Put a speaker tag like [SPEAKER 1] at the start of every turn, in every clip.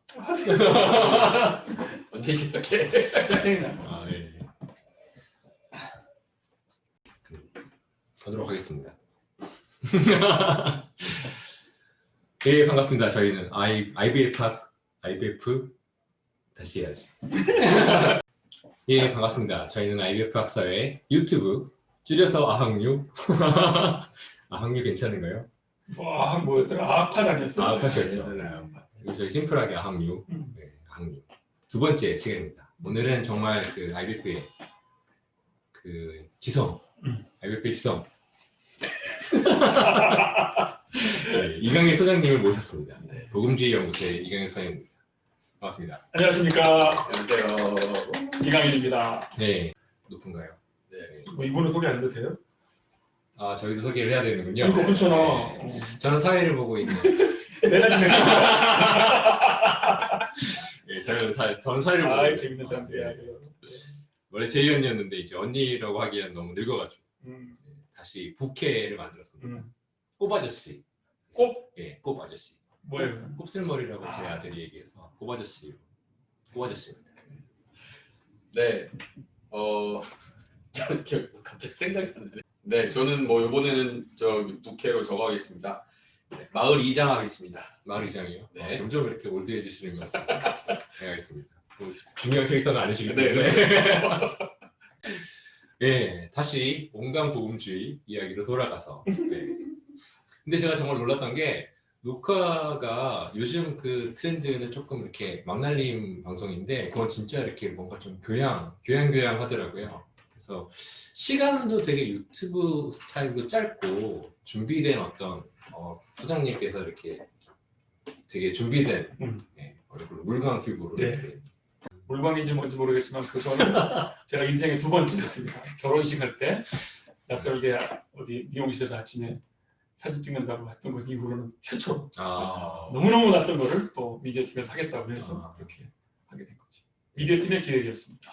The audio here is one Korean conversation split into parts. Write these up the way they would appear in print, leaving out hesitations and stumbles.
[SPEAKER 1] 언제 시작해?
[SPEAKER 2] 시작했나?
[SPEAKER 3] 아, 예. 하도록 하겠습니다. 예, 반갑습니다. 저희는 IBF 다시 해야지. 예, 반갑습니다. 저희는 IBF 학사의 유튜브 줄여서 아학류. 아학류 괜찮은가요?
[SPEAKER 2] 와, 뭐였더라? 아파 다녔어?
[SPEAKER 3] 아파셨죠.
[SPEAKER 1] 괜찮아요.
[SPEAKER 3] 저희 심플하게 아학류. 네, 아학류. 두 번째 시간입니다. 오늘은 정말 그 IBF의 그 지성, IBF의 지성. 네, 이강일 소장님을 모셨습니다.
[SPEAKER 2] 네.
[SPEAKER 3] 복음주의 연구소의 이강일 소장입니다. 반갑습니다.
[SPEAKER 2] 안녕하십니까.
[SPEAKER 1] 안녕하세요.
[SPEAKER 2] 이강일입니다.
[SPEAKER 3] 네, 높은가요?
[SPEAKER 1] 네.
[SPEAKER 2] 뭐 이분은 소개 안 해도 돼요?
[SPEAKER 3] 아, 저희도 소개를 해야 되는군요.
[SPEAKER 2] 그러니까 그렇잖아.
[SPEAKER 3] 네. 저는 사회를 보고 있는.
[SPEAKER 2] 내가 지금
[SPEAKER 3] 네, 저는 사회를 보고
[SPEAKER 2] 아,
[SPEAKER 3] 있는.
[SPEAKER 2] 재밌는 사람들이야.
[SPEAKER 3] 네. 원래 제이 언니였는데 이제 언니라고 하기에는 너무 늙어가지고 이제 다시 부캐를 만들었습니다. 꼽아저씨.
[SPEAKER 2] 꼽?
[SPEAKER 3] 예, 꼽아저씨.
[SPEAKER 2] 뭐예요?
[SPEAKER 3] 곱슬머리라고 제 아들이 얘기해서 꼽아저씨. 꼽아저씨입니다.
[SPEAKER 1] 네. 갑자기 생각이 안 나네. 네, 저는 뭐 이번에는 저 부캐로 저거 하겠습니다. 네, 마을 이장 하겠습니다.
[SPEAKER 3] 마을 이장이요?
[SPEAKER 1] 네.
[SPEAKER 3] 점점 이렇게 올드해지시는 것 같아요. 네, 알겠습니다. 중요한 캐릭터는 아니시기
[SPEAKER 1] 네,
[SPEAKER 3] 때문에. 예, 다시 온강 복음주의 이야기로 돌아가서. 네. 근데 제가 정말 놀랐던 게 녹화가 요즘 그 트렌드는 조금 이렇게 막날림 방송인데 그건 진짜 이렇게 뭔가 좀 교양하더라고요. 그래서 시간도 되게 유튜브 스타일로 짧고 준비된 어떤 소장님께서 이렇게 되게 준비된 얼굴 물광 피부로
[SPEAKER 2] 네.
[SPEAKER 3] 이렇게
[SPEAKER 2] 물광인지 뭔지 모르겠지만 그거는 제가 인생의 두 번째였습니다. 결혼식 할 때 낯설게 어디 미용실에서 아침에 사진 찍는다고 했던 것 이후로는 최초로 너무너무 낯선 거를 또 미디어팀에서 하겠다고 해서 그렇게 하게 된 거지. 미디어팀의 기획이었습니다.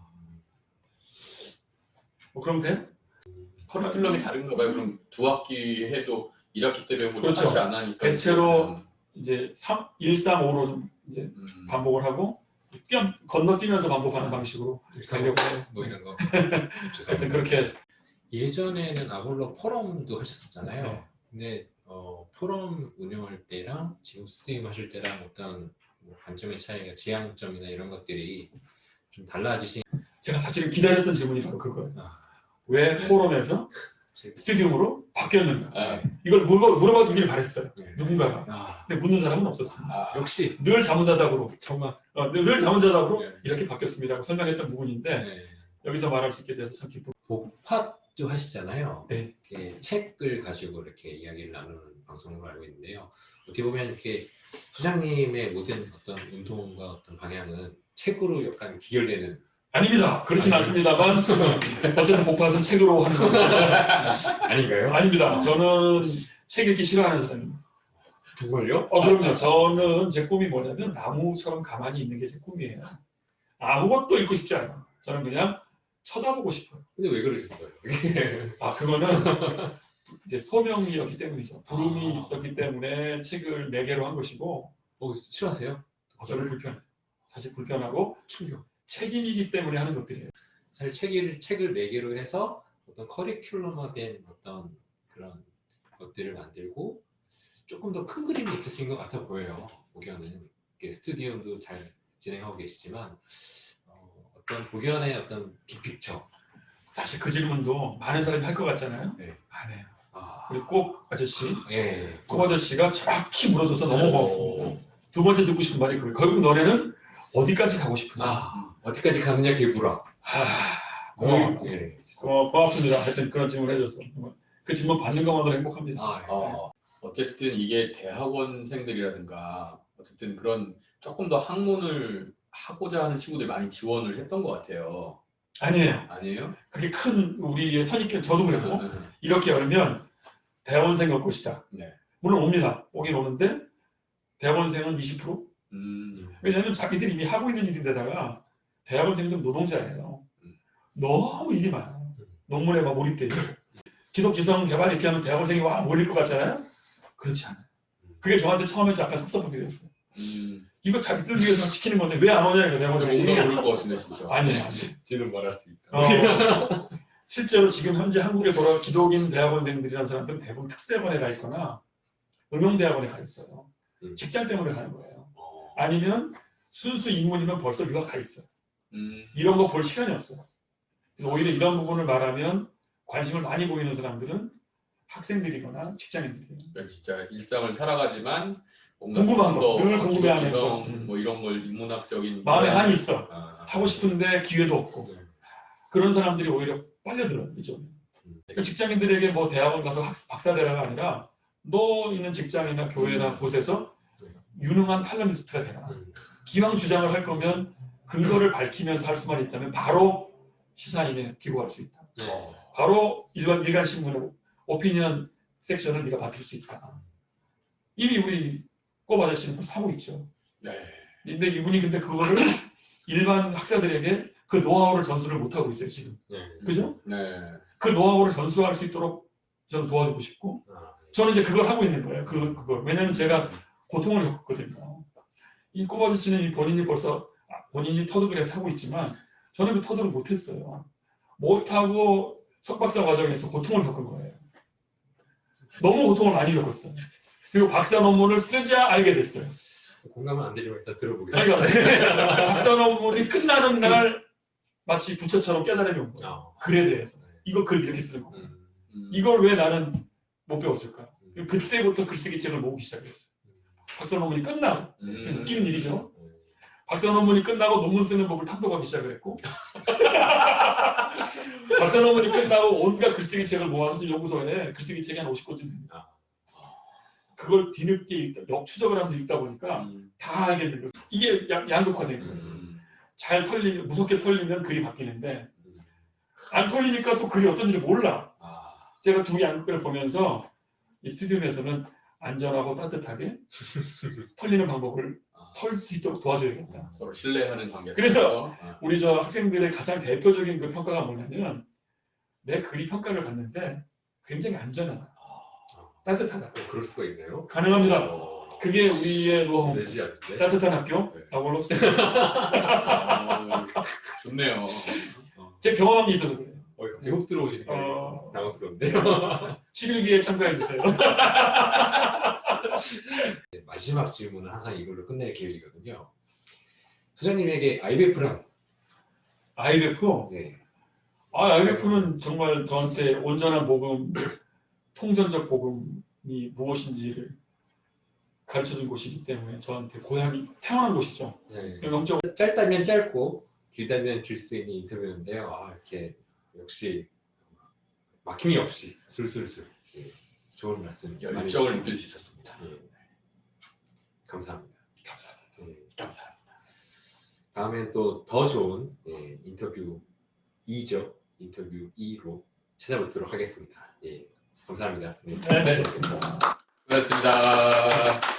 [SPEAKER 2] 뭐 그럼 돼요?
[SPEAKER 1] 커리큘럼이 다른가 봐요. 그럼 두 학기 해도 1학기 때 배우고
[SPEAKER 2] 그렇죠.
[SPEAKER 1] 같이 안 하니까
[SPEAKER 2] 대체로 이제 1, 3, 5로 좀 이제 반복을 하고 건너뛰면서 반복하는 방식으로 가려고 해요.
[SPEAKER 3] 뭐 이런 거.
[SPEAKER 2] 하여튼 그렇게
[SPEAKER 3] 예전에는 아볼로 포럼도 하셨었잖아요.
[SPEAKER 2] 네.
[SPEAKER 3] 근데 포럼 운영할 때랑 지금 스트림 하실 때랑 어떤 뭐 관점의 차이가 지향점이나 이런 것들이 좀 달라지신.
[SPEAKER 2] 제가 사실은 기다렸던 질문이 바로 그거예요.
[SPEAKER 3] 아,
[SPEAKER 2] 왜 포럼에서 스튜디움으로 바뀌었는가?
[SPEAKER 1] 아,
[SPEAKER 2] 이걸 물어봐 주길 바랬어요.
[SPEAKER 3] 네.
[SPEAKER 2] 누군가가. 근데 묻는 사람은 없었습니다.
[SPEAKER 3] 역시
[SPEAKER 2] 늘 자문자답으로
[SPEAKER 3] 정말
[SPEAKER 2] 늘 자문자답으로
[SPEAKER 3] 네.
[SPEAKER 2] 이렇게 바뀌었습니다고 설명했던 부분인데
[SPEAKER 3] 네.
[SPEAKER 2] 여기서 말할 수 있게 돼서 참 기쁘고.
[SPEAKER 3] 복팟도 하시잖아요.
[SPEAKER 2] 네.
[SPEAKER 3] 이렇게 책을 가지고 이렇게 이야기를 나누는 방송으로 알고 있는데요. 어떻게 보면 이렇게 소장님의 모든 어떤 운동과 어떤 방향은 책으로 약간 기결되는.
[SPEAKER 2] 아닙니다. 그렇진 않습니다만 어쨌든 복팟은 책으로 하는 겁니다.
[SPEAKER 3] 아닌가요?
[SPEAKER 2] 아닙니다. 저는 책 읽기 싫어하는 사람입니다.
[SPEAKER 3] 정말요?
[SPEAKER 2] 그럼요. 저는 제 꿈이 뭐냐면 나무처럼 가만히 있는 게 제 꿈이에요. 아무것도 읽고 싶지 않아요. 저는 그냥 쳐다보고 싶어요.
[SPEAKER 3] 근데 왜 그러셨어요?
[SPEAKER 2] 그거는 이제 소명이었기 때문이죠. 부름이 있었기 때문에 책을 4개로 한 것이고
[SPEAKER 3] 싫어하세요?
[SPEAKER 2] 저는 불편해요. 사실 불편하고
[SPEAKER 3] 충격.
[SPEAKER 2] 책임이기 때문에 하는 것들이에요.
[SPEAKER 3] 사실 책을 4개로 해서 어떤 커리큘럼화된 어떤 그런 것들을 만들고 조금 더 큰 그림이 있으신 것 같아 보여요. 복연은 스튜디움도 잘 진행하고 계시지만 어떤 복연의 어떤 빅픽처.
[SPEAKER 2] 사실 그 질문도 많은 사람이 할 것 같잖아요.
[SPEAKER 3] 네.
[SPEAKER 2] 안 해요. 우리 꼭 아저씨,
[SPEAKER 3] 예.
[SPEAKER 2] 꼭 아저씨가 정확히 물어줘서 너무 고맙습니다. 두 번째 듣고 싶은 말이 그거예요. 결국 너네는 어디까지 가고 싶으냐?
[SPEAKER 3] 어디까지 가느냐 개구라.
[SPEAKER 2] 고마워요.
[SPEAKER 3] 예.
[SPEAKER 2] 고맙습니다. 하여튼 그런 질문 해줘서 그 질문 받는 것만으로 행복합니다.
[SPEAKER 1] 어쨌든 이게 대학원생들이라든가 어쨌든 그런 조금 더 학문을 하고자 하는 친구들이 많이 지원을 했던 것 같아요.
[SPEAKER 2] 아니에요. 그게 큰 우리의 선입견. 저도 그랬고 이렇게 열면 대학원생 올 것이다.
[SPEAKER 1] 네.
[SPEAKER 2] 물론 옵니다. 오긴 오는데 대학원생은 20%? 왜냐하면 자기들이 이미 하고 있는 일인데다가 대학원생들은 노동자예요. 너무 일이 많아요. 논문에 막 몰입돼 있고. 기독지성 개발 이렇게 하면 대학원생이 와 몰릴 것 같잖아요. 그렇지 않아요. 그게 저한테 처음에 약간 섭섭하게 됐어요. 이거 자기들 위해서 시키는 건데 왜 안 오냐 이거 내가
[SPEAKER 1] 뭔가 모를 것 같은데 진짜.
[SPEAKER 2] 아니에요.
[SPEAKER 3] 지는 말할 수 있다.
[SPEAKER 2] 실제로 지금 현재 한국에 돌아온 기독인 대학원생들이라는 사람들은 대부분 특수대학원에 가 있거나 응용대학원에 가 있어요. 직장 때문에 가는 거예요. 아니면 순수 인문이면 벌써 유학 가 있어요. 이런 거 볼 시간이 없어요. 그래서 오히려 이런 부분을 말하면 관심을 많이 보이는 사람들은 학생들이거나 직장인들이에요.
[SPEAKER 1] 그러니까 진짜 일상을 살아가지만 뭔가
[SPEAKER 2] 궁금한
[SPEAKER 1] 좀
[SPEAKER 2] 거,
[SPEAKER 1] 더
[SPEAKER 2] 늘 궁금해하면서.
[SPEAKER 1] 기독지성 뭐 이런 걸 인문학적인
[SPEAKER 2] 마음에 한이 있어.
[SPEAKER 1] 아,
[SPEAKER 2] 하고 싶은데 기회도 없고
[SPEAKER 3] 네.
[SPEAKER 2] 그런 사람들이 오히려 빨려들어요. 이쪽에. 그러니까 직장인들에게 뭐 대학원 가서 박사되라가 아니라 너 있는 직장이나 교회나 곳에서 유능한 칼럼니스트가 되라. 기왕 주장을 할 거면 근거를 밝히면서 할 수만 있다면 바로 시사인에 기고할 수 있다. 바로 일간 신문의 오피니언 섹션을 네가 맡을 수 있다. 이미 우리 꼽 아저씨는 하고 있죠.
[SPEAKER 1] 네.
[SPEAKER 2] 근데 이분이 근데 그거를 일반 학사들에게 그 노하우를 전수를 못 하고 있어요 지금. 그죠?
[SPEAKER 1] 네.
[SPEAKER 2] 그 노하우를 전수할 수 있도록 저는 도와주고 싶고 저는 이제 그걸 하고 있는 거예요. 그걸 왜냐하면 제가 고통을 겪었거든요. 이 꼽 아저씨는 본인이 벌써 본인이 터득을 해서 하고 있지만 저는 그 터득을 못했어요. 못하고 석박사 과정에서 고통을 겪은 거예요. 너무 고통을 많이 겪었어요. 그리고 박사 논문을 쓰자 알게 됐어요.
[SPEAKER 3] 공감은 안 되지만 일단 들어보겠습니다.
[SPEAKER 2] 그러니까 박사 논문이 끝나는 날 마치 부처처럼 깨달음이 온 거예요. 글에 대해서. 이거 글 이렇게 쓰는 거. 이걸 왜 나는 못 배웠을까? 그때부터 글쓰기 책을 모으기 시작했어요. 박사 논문이 끝나고 좀 웃기는 일이죠. 박사 논문이 끝나고 논문 쓰는 법을 탐독하기 시작을 했고 박사 논문이 끝나고 온갖 글쓰기 책을 모아서 지금 연구소에 글쓰기 책이 한 50권쯤 됩니다. 그걸 뒤늦게 역추적을 하면서 읽다 보니까 다 알겠는 거예요. 이게 양극화된 거예요. 잘 털리면 무섭게 털리면 글이 바뀌는데 안 털리니까 또 글이 어떤지 몰라. 제가 두 양극화를 보면서 이 스튜디움에서는 안전하고 따뜻하게 털리는 방법을 털 수 있도록 도와줘야겠다.
[SPEAKER 1] 서로 신뢰하는 관계.
[SPEAKER 2] 그래서 우리 저 학생들의 가장 대표적인 그 평가가 뭐냐면 내 글이 평가를 받는데 굉장히 안전하다. 따뜻하다.
[SPEAKER 3] 그럴 수가 있네요.
[SPEAKER 2] 가능합니다. 그게 우리의 노하우입니다.
[SPEAKER 3] 내지 않는데.
[SPEAKER 2] 따뜻한 학교 아울러
[SPEAKER 1] 좋네요.
[SPEAKER 2] 제 경험이 있어서 그래요.
[SPEAKER 3] 갑자기 훅 들어오시니까 당황스러운데요.
[SPEAKER 2] 11기에 참가해 주세요.
[SPEAKER 3] 마지막 질문은 항상 이걸로 끝낼 계획이거든요. 소장님에게 IBF란?
[SPEAKER 2] IBF?
[SPEAKER 3] 네.
[SPEAKER 2] IBF는 정말 저한테 온전한 복음, 통전적 복음이 무엇인지를 가르쳐준 곳이기 때문에 저한테 고향이 태어난 곳이죠.
[SPEAKER 3] 네.
[SPEAKER 2] 영적
[SPEAKER 3] 짧다면 짧고 길다면 길 수 있는 인터뷰인데요. 이렇게 역시 막힘이 없이 술술술 좋은 말씀
[SPEAKER 1] 열정을 느낄 수 있었습니다.
[SPEAKER 3] 감사합니다.
[SPEAKER 2] 감사합니다.
[SPEAKER 3] 다음엔 또 더 좋은 인터뷰 2죠. 인터뷰 2로 찾아뵙도록 하겠습니다. 감사합니다.
[SPEAKER 2] 네.
[SPEAKER 1] 수고하셨습니다.